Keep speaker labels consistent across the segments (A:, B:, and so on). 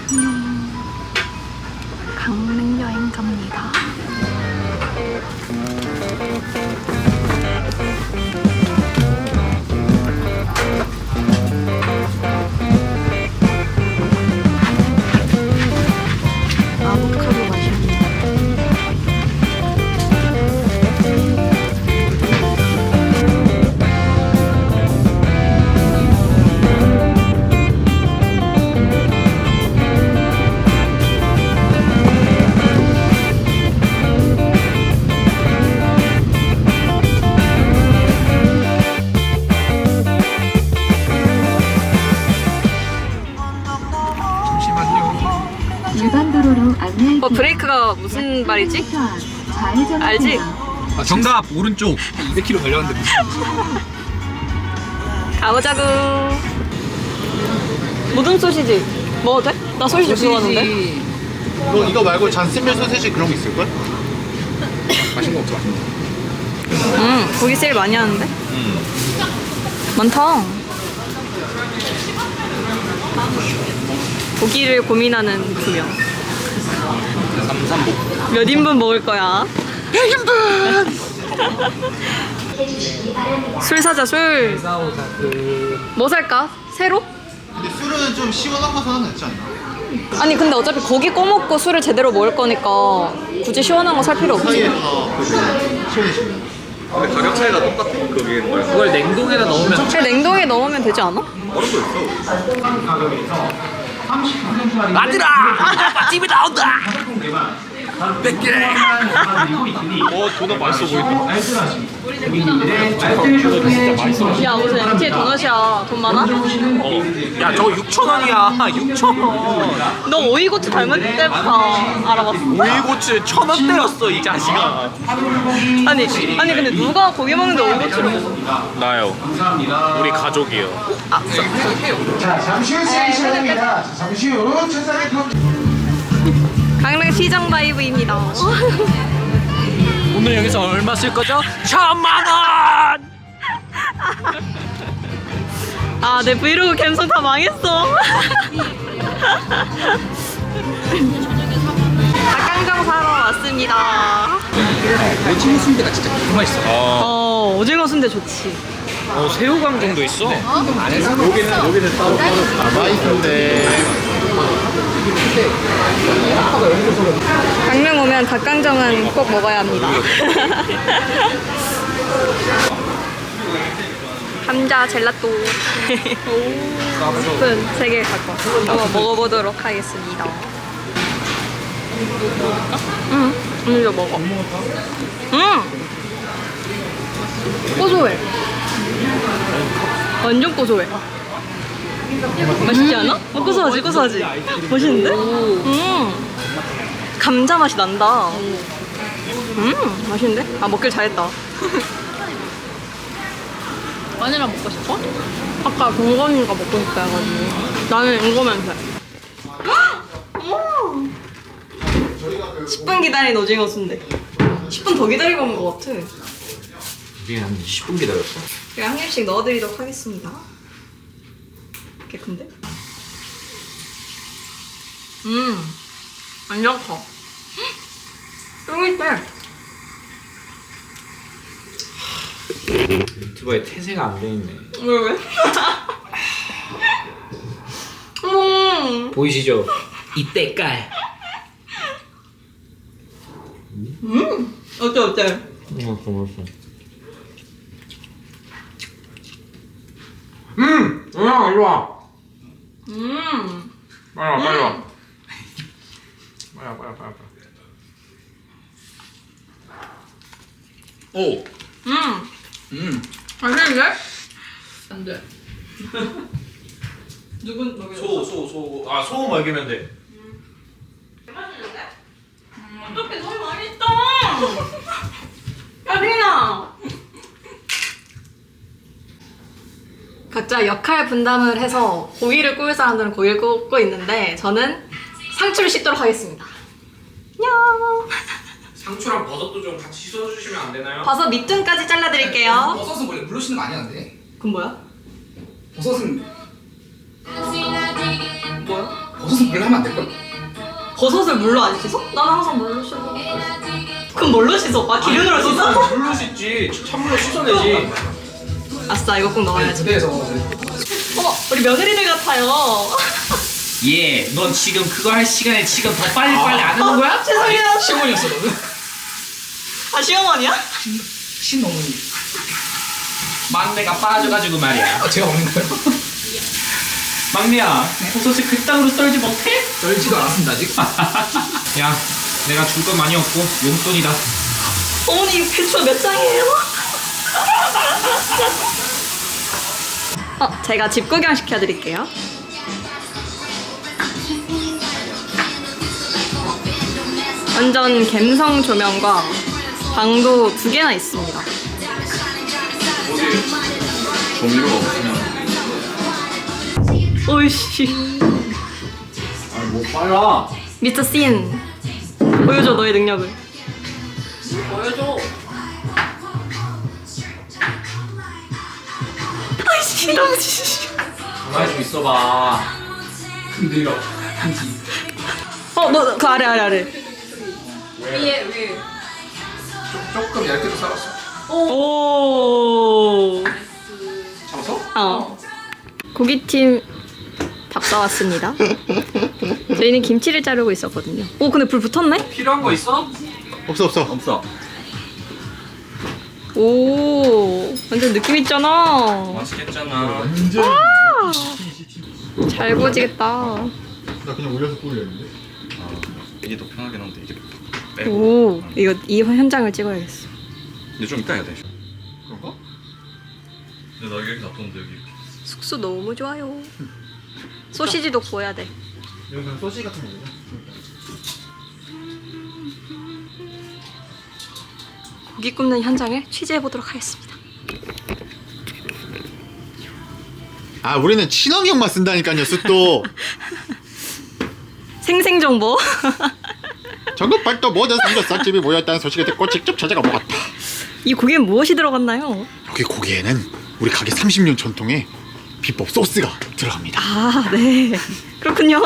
A: 강릉 여행 갑니다. 아보카도 맛입니다.
B: 일반 도로로 안내.
A: 브레이크가 무슨 말이지? 알지?
C: 아, 정답 오른쪽 200km 걸렸는데
A: 가보자구. 모든 소시지 먹어도 돼? 나 소시지 좋아하는데.
D: 이거 말고 잔스밀 소세지 그런 거 있을걸?
C: 맛있는 거 없어.
A: 고기 세일 많이 하는데? 많다. 고기를 고민하는 두 명.
C: 삼삼복.
A: 몇 인분 먹을 거야?
D: 100인분!
A: 술 사자, 술. 뭐 살까? 새로?
D: 근데 술은 좀 시원한 거 사는 거 낫지 않나?
A: 아니 근데 어차피 고기 꺼먹고 술을 제대로 먹을 거니까 굳이 시원한 거 살 필요 없지.
D: 사이에 다 시원해지면.
C: 근데 가격 차이가 똑같아. 그게 뭐야? 그걸 냉동에다 넣으면
A: 그냥 냉동에 넣으면 되지 않아?
C: 얼음 거 있어. 아들아! 맛집이 나온다! 100개! 도넛 맛있어 보인다.
A: 야 무슨 MT의 도넛이야. 돈 많아?
C: 야 저거 6,000원이야. 6,000원.
A: 너 오이고추 닮은 때부터 알아봤어.
C: 오이고추 1,000원 때렸어 이 자식아.
A: 아니 근데 누가 고기 먹는데 오이고추를 먹어?
C: 나요. 우리 가족이요.
E: 자, 잠시 후 시행 시간입니다. 잠시 후 천상의 품.
A: 강릉 시장 바이브입니다.
C: 오늘 여기서 얼마 쓸 거죠? 1,000만 원!
A: 아, 내 브이로그 감성 다 망했어. 닭강정 사러 왔습니다.
C: 오징어 순대가 진짜 너무 맛있어.
A: 오징어 순대 좋지.
C: 새우강정도 있어.
D: 여기는 따로 남아있는데.
A: 강릉 오면 닭강정은 꼭 먹어야 합니다. 감자 젤라또. 스푼 3개 갖고 한번 먹어보도록 하겠습니다. 응, 이거 먹어. 고소해. 완전 고소해. 맛있지 않아? 고소하지? 맛있는데? 감자 맛이 난다. 맛있는데? 아, 먹길 잘했다. 마늘아 먹고 싶어? 아까 동건이가 먹고 싶다 해가지고 나는 이거면 돼. 10분 기다린 오징어 순대. 10분 더 기다리고 온 것 같아.
C: 이게 한 10분 기다렸어.
A: 제가 한 입씩 넣어드리도록 하겠습니다. 꽤 큰데? 완전 커. 쫄깃해.
C: 유튜버에 태세가 안 돼 있네.
A: 왜?
C: 보이시죠? 이때깔.
A: 어때?
C: 맛있어. 이리 와. 빨리 와. 빨리. 오.
A: 맛있는데? 안 돼. 누군 먹여?
C: 소금 먹이면 돼.
A: 맛있는데? 어떡해, 너무 맛있다. 야, 리나. 각자 역할 분담을 해서 고기를 구울 사람들은 고기를 굽고 있는데 저는 상추를 씻도록 하겠습니다. 안녕.
C: 상추랑 버섯도 좀 같이 씻어주시면 안 되나요?
A: 버섯 밑둥까지 잘라드릴게요.
F: 버섯은 원래 물로 씻는 거 아니야, 근데?
A: 그건 뭐야?
F: 버섯은
A: 뭐야?
F: 버섯은
B: 버섯은 물로 하면 안 될걸?
A: 버섯을 물로 안 씻어? 난 항상 물로 씻어. 그럼 뭘로 씻어? 아 기름으로 씻어?
C: 물로 씻지. 찬물로 씻어내지.
A: 아싸 이거 꼭 넣어야지.
B: 무대에서
A: 어머 우리 며느리들 같아요.
F: 예, 넌 지금 그거 할 시간에 지금 더 빨리빨리 안 하는 거야?
A: 죄송해요.
B: 시어머니였어 너는?
A: 아 시어머니야?
B: 신어머니.
F: 막내가 빠져가지고 말이야.
B: 아 제가 먹는 거예요?
F: 막내야, 버섯을 그땅으로 썰지 못해?
B: 썰지도 않았습니다 아직.
F: 야, 내가 줄 건 많이 없고 용돈이다.
A: 어머니 배추 몇 장이에요? 제가 집 구경 시켜드릴게요. 완전 갬성 조명과 방도 2개나 있습니다.
C: 조미료가 없으면.
A: 오이씨.
C: 아뭐 빨라.
A: 미스터 씬 보여줘 너의 능력을.
C: 보여줘.
A: 아이씨 너무 지시.
C: 가만히 좀 있어봐.
B: 근데요 한지.
A: 너 그 아래.
B: 조금 얇게도 썰었어.
A: 오.
B: 잡았어?
A: 고깃팀 밥 사왔습니다. 저희는 김치를 자르고 있었거든요. 오 근데 불 붙었네?
C: 필요한 거 있어?
D: 없어 없어.
C: 없어.
A: 오 완전 느낌 있잖아.
C: 맛있겠잖아.
D: 완전.
A: 잘 구워지겠다.
D: 나 그냥 올려서 구우려는데.
C: 이게 더 편하긴 한데 이게 빼고.
A: 오 이거 이 현장을 찍어야겠어.
C: 근데 좀 이따 해야 돼.
D: 그런가?
C: 근데 나 여기 놔뒀는데 여기.
A: 숙소 너무 좋아요. 소시지도 구워야 돼.
D: 이건 그냥 소시 같은 거구나.
A: 고기 굽는 현장을 취재해 보도록 하겠습니다.
D: 아 우리는 친환경만 쓴다니까요 숯도.
A: 생생 정보.
D: 전국 발도 모든 삼겹살집이 모였다는 소식을 듣고 직접 찾아가 먹었다.
A: 이 고기엔 무엇이 들어갔나요?
D: 여기 고기에는 우리 가게 30년 전통의 비법 소스가 들어갑니다.
A: 아 네. 그렇군요.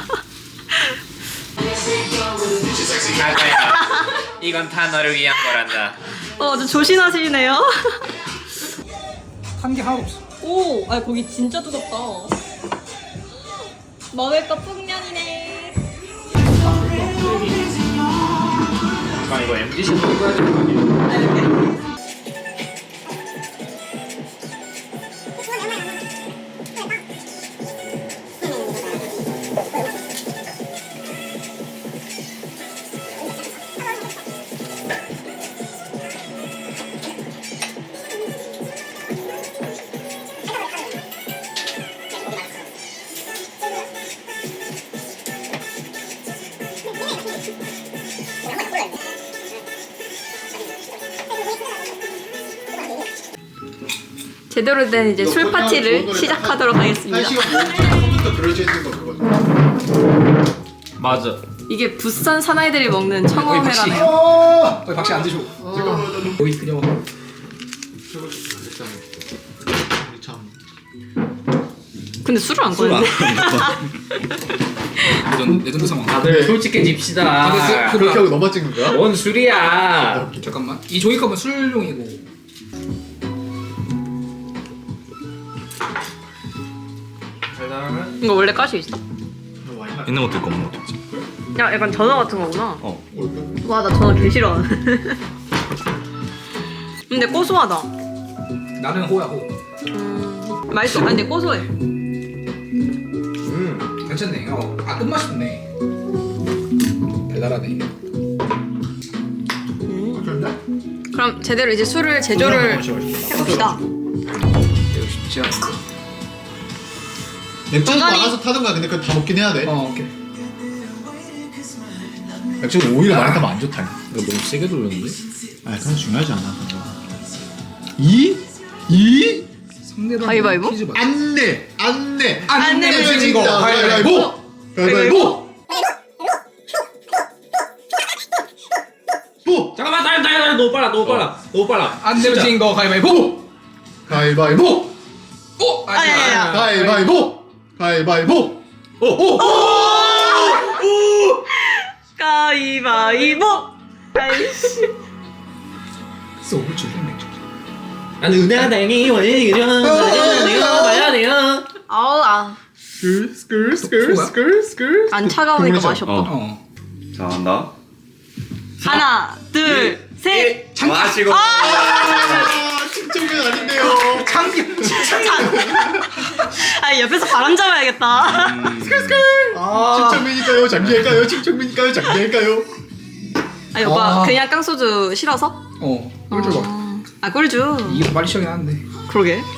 F: 아가야, 이건 다 너를 위한 거란다.
A: 아주 조신하시네요.
B: 탄 게 하나도 없어.
A: 오, 아 고기 진짜 두껍다. 먹을 거 풍년이네.
F: 아, 이거 MDC 먹어야 되는 거 아니야?
A: 제대로 된 이제 술 파티를 시작하도록 하겠습니다.
D: 1시간 컴퓨터 들어져 있는 거 그거죠.
F: 맞아.
A: 이게 부산 사나이들이 먹는 청어회라네요.
D: 어!
B: 거기 박씨 안 드셔. 여기 그냥
D: 우리 참.
A: 근데 술을 안 꺼냈네.
B: 레전드 상황.
F: 다들 솔직해집시다.
B: 그-
D: 그렇게 하고 넘어 찍는 거야?
F: 뭔 술이야?
B: 잠깐만. 이 종이컵은 술용이고.
A: 이거 원래 가시 있어?
C: 있는 것도 있고 없는 것도 있지.
A: 야, 약간 전어 같은 거구나.
C: 어.
A: 와, 나 전어 개 싫어. 근데 고소하다.
B: 나는 호야 호.
A: 맛있어. 아니, 근데 고소해.
B: 괜찮네. 아 끝맛이 좋네. 달달하네.
A: 그럼 제대로 이제 술을 제조를 해봅시다.
B: 이거 쉽지 않아.
D: 맥주는
A: 중간이-
D: 나가서 타던가. 근데 그거 다 먹긴 해야 돼.
B: 오케이.
D: 맥주는 오히려 많이 타면 안 좋다.
C: 이거 너무 세게 돌렸는데?
D: 아 그건 중요하지 않아. 2
B: 상대방
A: 가위바위보?
B: 퀴즈 맞-
D: 안내
B: 안 내면 진 거.
D: 가위바위보. 가위바위보. 보.
F: 잠깐만, 나 너무 빨라, 너무 빨라, 너무 빨라.
B: 안 내면 진 거 가위바위보.
D: 가위바위보.
B: 오!
A: 아니야.
D: 가위바위보. 가위바위보. 오.
A: 가위바위보. 아이씨.
B: 소주 맥주.
F: 나는 은하당이 원래는 봐야 돼요.
A: 아우
B: 스컬.
A: 안 차가우니까 맛이 없다.
B: 어.
C: 자 간다.
A: 하나, 둘, 셋.
C: 마시고.
D: 측정면 아닌데요.
A: 아 옆에서 바람 잡아야겠다.
D: 측정면일까요? 장기일까요? 측정면일까요? 장기일까요?
A: 아니 오빠
B: 아.
A: 그냥 깡소주 싫어서?
B: 꿀 줘봐.
A: 아 꿀주.
B: 이게 빨리 시작이 나는데.
A: 그러게.